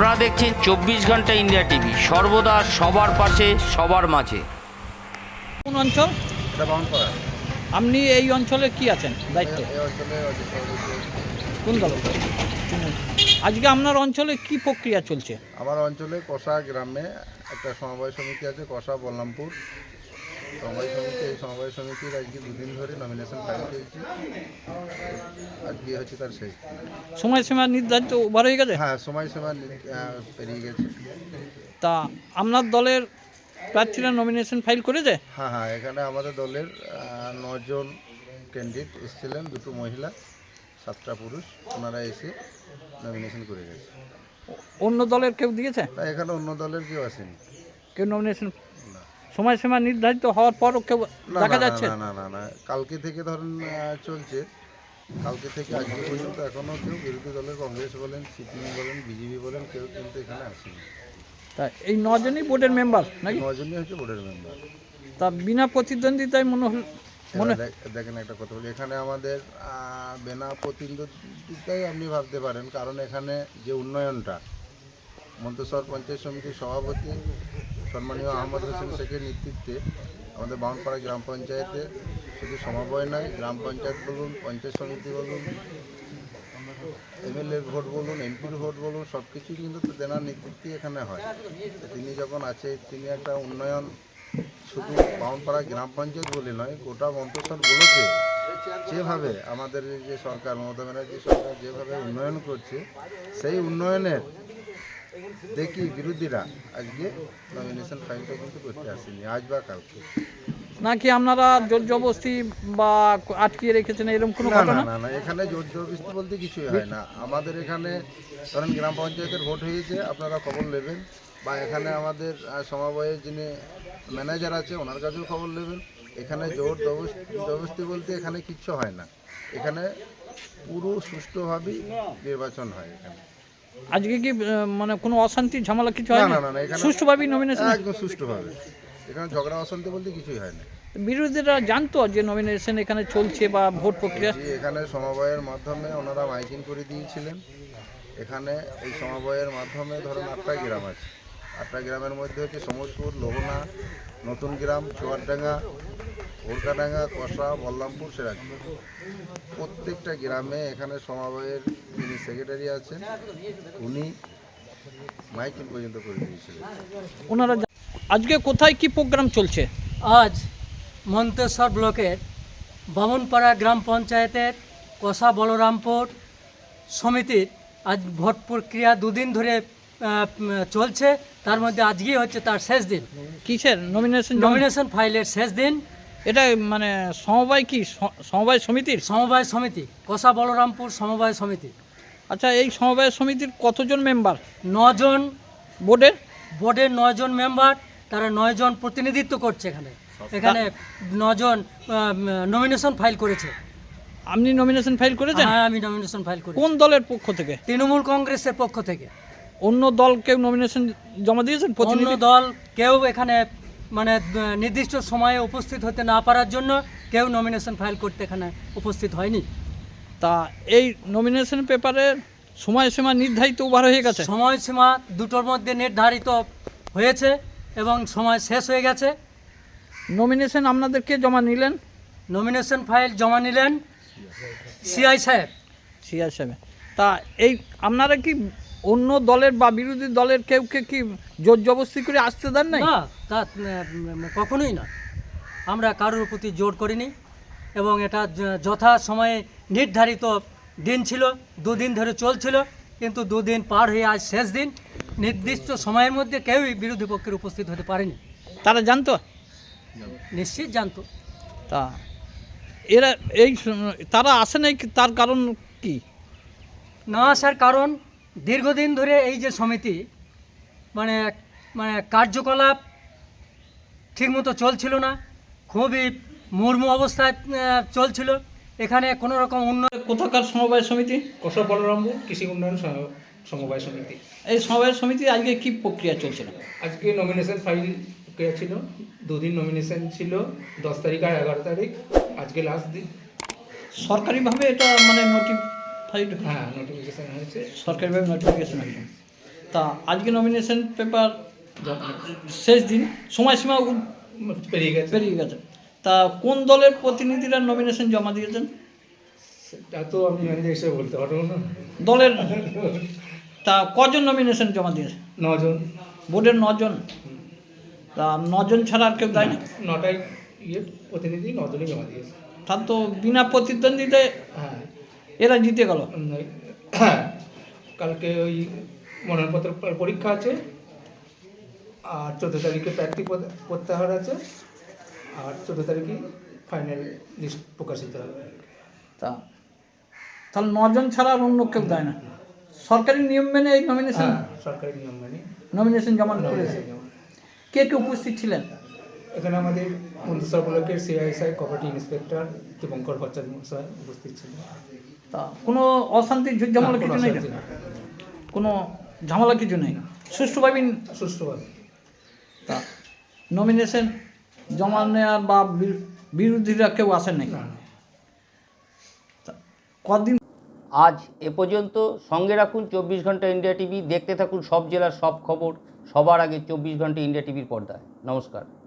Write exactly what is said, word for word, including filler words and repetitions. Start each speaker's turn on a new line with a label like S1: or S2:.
S1: আপনারা দেখছেন চব্বিশ ঘন্টা ইন্ডিয়া টিভি, সর্বদা সবার পাশে সবার মাঝে।
S2: কোন অঞ্চল?
S3: এটা বাউনপাড়া।
S2: আপনি এই অঞ্চলে কি আছেন দায়িত্বে?
S3: এই অঞ্চলে অজিত সভাপতি।
S2: কোন দল? আজকে আপনার অঞ্চলে কি প্রক্রিয়া চলছে?
S3: আমার অঞ্চলে কষা গ্রামে একটা সমবায় সমিতি আছে, কষা বল্লামপুর সমবায় সমিতি। এই সমবায় সমিতির আজকে দুদিন ধরে নমিনেশন ফাইল চলছে। আজকে হচ্ছে তার শেষ দিন।
S2: সময়সীমা নির্ধারিত ওভার হয়ে গেছে?
S3: হ্যাঁ, সময়সীমা আহ, পেরিয়ে গেছে।
S2: তা আপনার দলের প্রার্থীরা নমিনেশন ফাইল করেছে?
S3: হ্যাঁ হ্যাঁ এখানে আমাদের দলের আহ, নজন ক্যান্ডিডেট এসেছিলেন, দুটো মহিলা সাতটা পুরুষ। ওনারা এসে নমিনেশন করে গেছে।
S2: অন্য দলের কেউ দিয়েছে?
S3: না, এখানে অন্য দলের কেউ আসেনি।
S2: কেউ নমিনেশন
S3: না
S2: সময়সীমা নির্ধারিত হওয়ার পরও কেউ
S3: না
S2: দেখা
S3: না
S2: যাচ্ছে?
S3: না না না না কালকে থেকে ধরেন আহ, চলছে। কালকে থেকে আজকে পর্যন্ত এখনও কেউ বিরোধী দলের কংগ্রেস বলেন, সিপিএম বলেন, বিজেপি বলেন, কেউ কিন্তু এখানে আসেনি।
S2: তা এই নজনই বোর্ডের মেম্বার নাকি?
S3: নজনই হচ্ছে বোর্ডের মেম্বার।
S2: তা বিনা প্রতিদ্বন্দ্বিতায় মনে হল মনে
S3: দেখেন একটা কথা বলি, এখানে আমাদের আহ, বিনা প্রতিদ্বন্দ্বিতাই আপনি ভাবতে পারেন, কারণ এখানে যে উন্নয়নটা মন্তেশ্বর পঞ্চায়েত সমিতির সভাপতি সম্মানীয় আহমদ হোসেন শেখের নেতৃত্বে আমাদের বাউনপাড়া গ্রাম পঞ্চায়েতে শুধু সমবায় নয়, গ্রাম পঞ্চায়েত বলুন, পঞ্চায়েত সমিতি বলুন, এমএলএর ভোট বলুন, এমপির ভোট বলুন, সব কিছুই কিন্তু তেনার নেতৃত্বে এখানে হয়। তিনি যখন আছে, তিনি একটা উন্নয়ন শুধু বাউনপাড়া গ্রাম পঞ্চায়েত বলে নয়, গোটা মন্তেশ্বরগুলোকে যেভাবে আমাদের যে সরকার মমতা ব্যানার্জি সরকার যেভাবে উন্নয়ন করছে, সেই উন্নয়নের দেখি বিরোধীরা আজকে নমিনেশন ফাইলটা কিন্তু করতে আসেনি, আজ বা কালকে।
S2: নাকি আপনারা জোর জবরদস্তি বা আটকিয়ে রেখেছেন এরকম কোনো
S3: না
S2: ঘটনা?
S3: না না না এখানে জোর জবরদস্তি বলতে কিছুই হয় না। আমাদের এখানে ধরেন গ্রাম পঞ্চায়েতের ভোট হয়েছে, আপনারা খবর নেবেন, বা এখানে আমাদের আহ, সমবায়ের যিনি ম্যানেজার আছে ওনার কাছেও খবর নেবেন। এখানে জোর জবরদস্তি বলতে এখানে কিচ্ছু হয় না। এখানে পুরো সুষ্ঠুভাবেই নির্বাচন হয় এখানে।
S2: আজকে কি আহ, মানে কোনো অশান্তি ঝামেলা কিছু
S3: না
S2: হয়
S3: না
S2: না?
S3: না না এখানে
S2: সুষ্ঠুভাবেই নমিনেশন?
S3: একদম সুষ্ঠুভাবে। এখানে ঝগড়া অশান্তি বলতে কিছুই হয় না।
S2: বিরোধীরা জানতো যে নমিনেশন এখানে চলছে বা ভোট প্রক্রিয়া?
S3: যে এখানে সমবায়ের মাধ্যমে ওনারা মাইকিং করে দিয়েছিলেন। এখানে এই সমবায়ের মাধ্যমে ধরুন আটটা গ্রাম আছে, আটটা গ্রামের মধ্যে হচ্ছে সমসপুর, লোহনা, নতুন গ্রাম, চুয়ারডাঙ্গা, ওরকাডাঙ্গা, কষা, বল্লামপুর, সিরাজপুর। প্রত্যেকটা গ্রামে এখানে সমবায়ের যিনি সেক্রেটারি আছেন উনি মাইকিং পর্যন্ত করে দিয়েছিলেন।
S2: ওনারা জা- আজকে কোথায় কি প্রোগ্রাম চলছে?
S4: আজ মন্তেশ্বর ব্লকের বামুনপাড়া গ্রাম পঞ্চায়েতের কষা বলরামপুর সমিতির আজ ভোট প্রক্রিয়া দুদিন ধরে আহ, চলছে। তার মধ্যে আজকেই হচ্ছে তার শেষ দিন,
S2: কিসের নমিনেশন?
S4: নমিনেশন ফাইলের শেষ দিন।
S2: এটা মানে সমবায় কি স- সমবায় সমিতির?
S4: সমবায় সমিতি, কষা বলরামপুর সমবায় সমিতি।
S2: আচ্ছা, এই সমবায় সমিতির কতজন মেম্বার
S4: নজন
S2: বোর্ডের?
S4: বোর্ডের নজন মেম্বার, তারা নয়জন প্রতিনিধিত্ব করছে এখানে। এখানে নজন নমিনেশন ফাইল করেছে।
S2: আপনি নমিনেশন ফাইল করেছেন?
S4: হ্যাঁ, আমি নমিনেশন ফাইল করি
S2: কোন দলের পক্ষ থেকে?
S4: তৃণমূল কংগ্রেসের পক্ষ থেকে।
S2: অন্য দল কেউ নমিনেশন জমা দিয়েছেন?
S4: অন্য
S2: প্রতিনিধি
S4: দল কেউ এখানে মানে আহ, নির্দিষ্ট সময়ে উপস্থিত হতে না পারার জন্য কেউ নমিনেশন ফাইল করতে এখানে উপস্থিত হয়নি।
S2: তা এই নমিনেশন পেপারের সময়সীমা নির্ধারিত ওভার হয়ে গেছে?
S4: সময়সীমা দুটোর মধ্যে নির্ধারিত হয়েছে এবং সময় শেষ হয়ে গেছে।
S2: নমিনেশন আপনাদেরকে জমা নিলেন?
S4: নমিনেশন ফাইল জমা নিলেন সিআই সাহেব।
S2: সিআর সাহেব। তা এই আপনারা কি অন্য দলের বা বিরোধী দলের কেউকে কি জোর জবরদস্তি করে আসতে দেন নাই?
S4: না, তা উম, কখনোই না। আমরা কারোর প্রতি জোর করিনি এবং এটা য- যথা সময়ে নির্ধারিত দিন ছিল, দুদিন ধরে চলছিল, কিন্তু দুদিন পার হয়ে আজ শেষ দিন। নির্দিষ্ট সময়ের মধ্যে কেউই বিরোধী পক্ষের উপস্থিত হতে পারেনি।
S2: তারা জানতো?
S4: নিশ্চিত জানতো।
S2: তা এরা এই স- তারা আসে নাই, কি- তার কারণ কি?
S4: না আসার কারণ দীর্ঘদিন ধরে এই যে সমিতি মানে মানে কার্যকলাপ ঠিকমতো চলছিল না, খুবই মুর্মু অবস্থায় আহ, চলছিল। এখানে কোনো রকম উন্নয়ন
S2: কোথাকার সমবায় সমিতি?
S5: কষা বলরামপুর কৃষি উন্নয়ন স- সমবায় সমিতি।
S2: এই সমবায় সমিতি আজকে কি প্রক্রিয়া চলছিল?
S5: আজকে নমিনেশন ফাইল প্রক্রিয়া ছিল, দুদিন নমিনেশন ছিল, দশ তারিখ আর এগারো তারিখ, আজকে লাস্ট দিন।
S2: সরকারিভাবে এটা মানে নোটিফাইড?
S5: হ্যাঁ, নোটিফিকেশান হয়েছে।
S2: সরকারিভাবে নোটিফিকেশন হয়েছে। তা আজকে নমিনেশন পেপার শেষ দিন, সময়সীমা উ-
S5: পেরিয়ে গেছে
S2: পেরিয়ে গেছে। তা কোন দলের প্রতিনিধিরা নমিনেশন জমা দিয়েছেন?
S5: সেটা তো আমি ম্যানেজার হিসেবে বলতে পারবো না।
S2: দলের তা কজন নমিনেশন জমা দিয়েছে?
S5: নজন
S2: বোর্ডের নজন। তা নজন ছাড়া আর কেউ দেয় না?
S5: নটায় ইয়ে প্রতিনিধি নজনই জমা দিয়েছে।
S2: তার তো বিনা প্রতিদ্বন্দ্বিতায়
S5: হ্যাঁ
S2: এরা জিতে গেল।
S5: উম, হ্যাঁ কালকে ওই মনোনয়নপত্র প- পরীক্ষা আছে, আর চোদ্দো তারিখে প্রার্থী পদ- প্রত্যাহার আছে, আর চোদ্দো তারিখে ফাইনাল লিস্ট প্রকাশিত হবে।
S2: তা তাহলে নজন ছাড়া আর অন্য কেউ দেয় না? সরকারি নিয়ম মেনে এই নমিনেশন
S5: হ্যাঁ সরকারি নিয়ম মানে
S2: নমিনেশন জমা করেছে। কে কে উপস্থিত ছিলেন?
S5: এখানে আমাদের মন্ত্রিসভা ব্লকের CISI cooperative inspector Dipankar Bhattacharya মহাশয় উপস্থিত ছিলেন।
S2: তা কোনো অশান্তি ঝুট ঝামেলা
S5: না,
S2: কিছু
S5: কোনো
S2: নেই?
S5: অশান্তি নেই।
S2: কোনো ঝামেলা কিছু নেই, সুষ্ঠুভাবে।
S5: সুষ্ঠুভাবে
S2: তা নমিনেশন জমা নেওয়ার বা বি- বিরোধীরা কেউ আসেন নাই?
S5: না না।
S2: তা কদিন
S1: আজ এ পর্যন্ত। সঙ্গে রাখুন চব্বিশ ঘন্টা ইন্ডিয়া টিভি, দেখতে থাকুন সব জেলার সব খবর সবার আগে চব্বিশ ঘন্টা ইন্ডিয়া টিভির পর্দায়। নমস্কার।